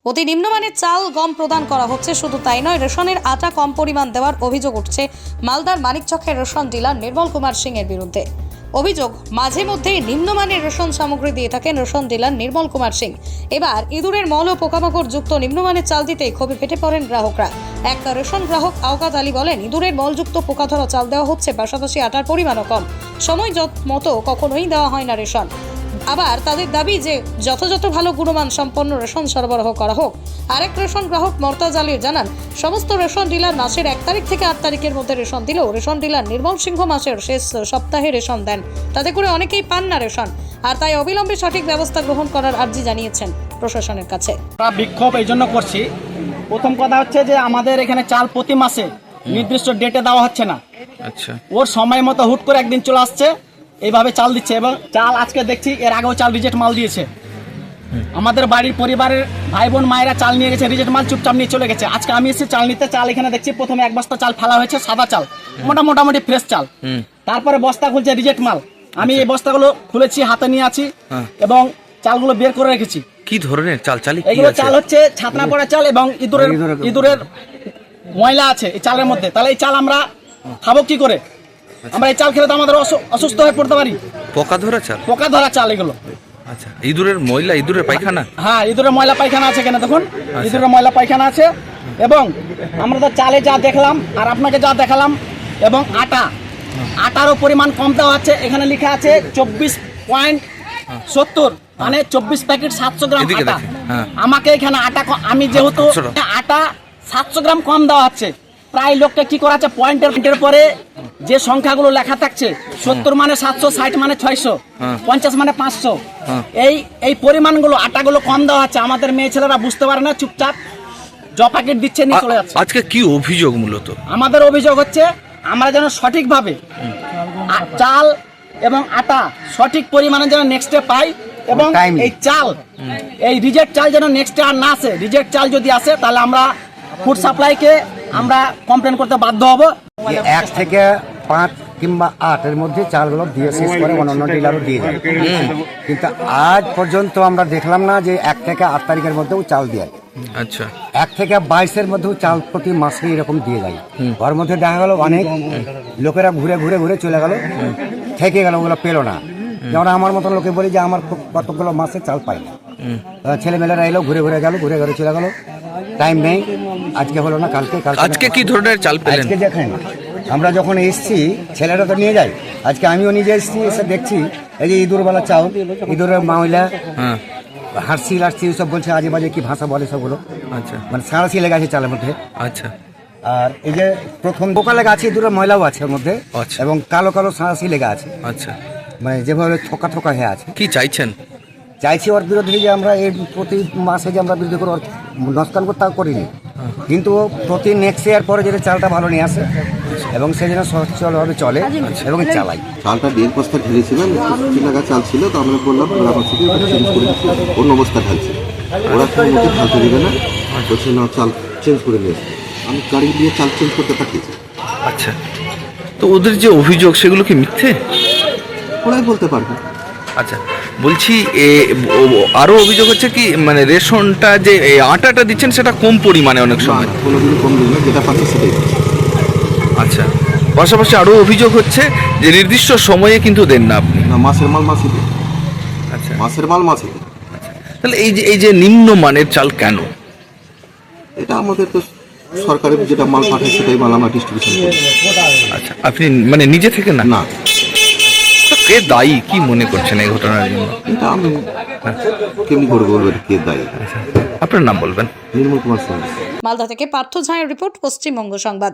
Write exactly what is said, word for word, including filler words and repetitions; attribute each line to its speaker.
Speaker 1: অতি নিম্নমানের চাল গম প্রদান করা হচ্ছে। শুধু তাই নয়, রেশনের আটা কম পরিমাণ দেওয়ার অভিযোগ উঠছে মালদার মানিকচকের রেশন ডিলার নির্মল কুমার সিং এর বিরুদ্ধে। অভিযোগ, মাঝে মধ্যেই নিম্নমানের রেশন সামগ্রী দিয়ে থাকেন রেশন ডিলার নির্মল কুমার সিং। এবার ইঁদুরের মল ও পোকামাকড় যুক্ত নিম্নমানের চাল দিতেই ক্ষোভে ফেটে পড়েন গ্রাহকরা। এক রেশন গ্রাহক আওকাত আলী বলেন, ইঁদুরের মলযুক্ত পোকা ধরা চাল দেওয়া হচ্ছে, পাশাপাশি আটার পরিমাণও কম, সময় মতো কখনোই দেওয়া হয় না রেশন। আবার তাদের দাবি যে যথাযথ ভালো গুণমান সম্পন্ন রেশন সরবরাহ করা হোক। আরেক রেশন গ্রাহক মর্তাজ আলী জানান, সমস্ত রেশন ডিলার মাসের এক তারিখ থেকে আট তারিখের মধ্যে রেশন দিলেও রেশন ডিলার নির্মল সিংহ মাসের শেষ সপ্তাহে রেশন দেন, তাতে করে অনেকেই পান না রেশন, আর তাই অবিলম্বে সঠিক ব্যবস্থা গ্রহণ করার আর্জি জানিয়েছেন প্রশাসনের কাছে।
Speaker 2: আমরা বিক্ষোভ এই জন্য করছি, প্রথম কথা হচ্ছে যে আমাদের এখানে চাল প্রতি মাসে নির্দিষ্ট ডেটে দেওয়া হচ্ছে না। আচ্ছা, ওর সময় মতো হুট করে একদিন চলে আসছে, এইভাবে চাল দিচ্ছে। এবং চাল আজকে দেখছি, এর আগেও চাল রিজেক্ট মাল দিয়েছে। আমাদের বাড়ির পরিবারের ভাই বোন মায়েরা চাল নিয়ে গেছে, রিজেক্ট মাল চুপচাপ নিয়ে চলে গেছে। আজকে আমি এসেছি চাল নিতে, চাল এখানে দেখছি প্রথমে এক বস্তা চাল ফেলা হয়েছে, সাদা চাল, মোটা মোটামুটি ফ্রেশ চাল। তারপরে বস্তা খুলছে রিজেক্ট মাল। আমি এই বস্তাগুলো খুলেছি, হাতে নিয়ে আছি এবং চালগুলো বের করে রেখেছি।
Speaker 3: কি ধরনের চাল? চাল
Speaker 2: এগুলো চাল হচ্ছে ছাতনা পড়া চাল এবং ইঁদুরের ইঁদুরের ময়লা আছে এই চালের মধ্যে। তাহলে এই চাল আমরা খাবো কি করে? আমরা এই চাল খেলে তো আমাদের অসুস্থ হয়ে পড়তে পারি।
Speaker 3: পোকা ধরা চাল?
Speaker 2: পোকা ধরা চাল এগুলো।
Speaker 3: আচ্ছা, ইঁদুরের ময়লা, ইঁদুরের পায়খানা?
Speaker 2: হ্যাঁ, ইঁদুরের ময়লা পায়খানা আছে। কেন দেখুন, ইঁদুরের ময়লা পায়খানা আছে। এবং আমরা তো চালে যা দেখলাম আর আপনাকে যা দেখালাম, এবং আটা আটারও পরিমাণ কম দেওয়া আছে। এখানে লেখা আছে চব্বিশ পয়েন্ট সত্তর, মানে চব্বিশ প্যাকেট সাতশো গ্রাম আটা। আমাকে এখানে আটা, আমি যেহেতু আটা সাতশো গ্রাম কম দেওয়া হচ্ছে, প্রায় লোকটা কি করা আছে, পয়েন্টের পরে যে সংখ্যাগুলো লেখা থাকছে, সত্তর মানে সাতশো, ষাট মানে ছয়শো, পঞ্চাশ মানে পাঁচশো, এই এই পরিমাণগুলো আটাগুলো কম দেওয়া হচ্ছে। আমাদের মেয়ে ছেলেরা বুঝতে পারে না, চুপচাপ জ প্যাকেট দিচ্ছে, নিয়ে চলে যাচ্ছে।
Speaker 3: আজকে কি অভিযোগ? মূলত আমাদের
Speaker 2: অভিযোগ হচ্ছে আমরা যেন সঠিকভাবে চাল এবং আটা সঠিক পরিমাণে যেন নেক্সটে পাই, এবং এই চাল, এই রিজেক্ট চাল যেন নেক্সটে আর না আসে। রিজেক্ট চাল যদি আসে তাহলে আমরা ফুড সাপ্লাইকে আমরা কমপ্লেন করতে বাধ্য হব।
Speaker 4: এক থেকে পাঁচ কিংবা আটের মধ্যে চালগুলো দিয়ে শেষ করে অন্যান্য ডিলারও দিয়ে যায়, কিন্তু আজ পর্যন্ত আমরা দেখলাম না যে এক থেকে আট তারিখের মধ্যেও চাল দেয়।
Speaker 3: আচ্ছা,
Speaker 4: এক থেকে বাইশের মধ্যেও চাল প্রতি মাসে এরকম দিয়ে যায়। ওর মধ্যে দেখা গেল অনেক লোকেরা ঘুরে ঘুরে ঘুরে চলে গেল, থেকে গেল, ওগুলো পেলো না। যেমন আমার মতন লোকে বলি যে আমার কতগুলো মাসে চাল পাই না। ছেলেমেয়েরা এলো, ঘুরে ঘুরে গেল, ঘুরে ঘুরে চলে গেল, টাইম নেই। আজকে হলো না, কালকে
Speaker 3: আজকে কি ধরনের চাল পেলেন?
Speaker 4: আজকে দেখেন, আমরা যখন এসছি ছেলেরা তো নিয়ে যায়, আজকে আমিও নিজে এসেছি, এসে দেখছি এই যে ইঁদুরওয়ালা চাল, ইঁদুরের ময়লা, হাসি লাসি সব বলছে, আজে বাজে কি ভাষা বলে সবগুলো। আচ্ছা, মানে সাঁড়াশি লেগে আছে চালের মধ্যে।
Speaker 3: আচ্ছা,
Speaker 4: আর এই যে প্রথম বোকা লেগে আছে, ইঁদুরের ময়লাও আছে ওর মধ্যে, এবং কালো কালো সাঁড়াশি লেগে আছে।
Speaker 3: আচ্ছা,
Speaker 4: মানে যেভাবে থোকা থোকা হয়ে আছে।
Speaker 3: কি চাইছেন?
Speaker 4: চাইছি ওর বিরুদ্ধে যে আমরা এই প্রতি মাসে যে আমরা বিরুদ্ধে করে নস্কান করতে করিনি, কিন্তু প্রতি নেক্সট ইয়ার পরে যেটা চালটা ভালো নিয়ে আসে এবং সে যেন সচ্ছলভাবে চলে এবং চালাই।
Speaker 5: চালটা দেড় বস্তা ঢেলেছিলাম, একশো টাকা চাল ছিল, তো আমরা বললাম গ্রাম থেকে চেঞ্জ করে দিচ্ছি, অন্য বস্তা ঢালছে। ওরা কোনো মধ্যে ঢালতে দেবে না, বলছে না চাল চেঞ্জ করে নিয়ে আসবে। আমি গাড়ি দিয়ে চাল চেঞ্জ করতে পাঠিয়েছি।
Speaker 3: আচ্ছা, তো ওদের যে অভিযোগ সেগুলো কি মিথ্যে?
Speaker 5: ওরাই বলতে পারবে।
Speaker 3: আচ্ছা, বলছি আরো অভিযোগ হচ্ছে কি, মানে রেশনটা যে আটাটা দিচ্ছেন সেটা কম পরিমাণে অনেক সময়।
Speaker 5: কোনোদিন কম দিন না, যেটা পাচ্ছে সেটাই।
Speaker 3: আচ্ছা, পাশাপাশি আরো অভিযোগ হচ্ছে যে নির্দিষ্ট সময়ে কিন্তু দেন না আপনি।
Speaker 5: না, মাসের মাল মাসে দেন।
Speaker 3: আচ্ছা,
Speaker 5: মাসের মাল মাসে দেন।
Speaker 3: তাহলে এই যে এই যে নিম্নমানের চাল কেন?
Speaker 5: এটা আমাদের তো সরকারের যেটা মাল পাঠায় সেটাই মাল আমরা ডিস্ট্রিবিউশন করি।
Speaker 3: আচ্ছা, আপনি মানে নিজে থেকে না?
Speaker 5: না।
Speaker 3: কে দায়ী, কি মনে করছেন এই ঘটনার জন্য?
Speaker 5: এটা আমি কেমনি করে বলবো কে দায়ী।
Speaker 3: আপনার নাম বলবেন?
Speaker 5: নির্মল কুমার সিং।
Speaker 1: মালদা থেকে পার্থ ঝায়ের রিপোর্ট, পশ্চিমবঙ্গ সংবাদ।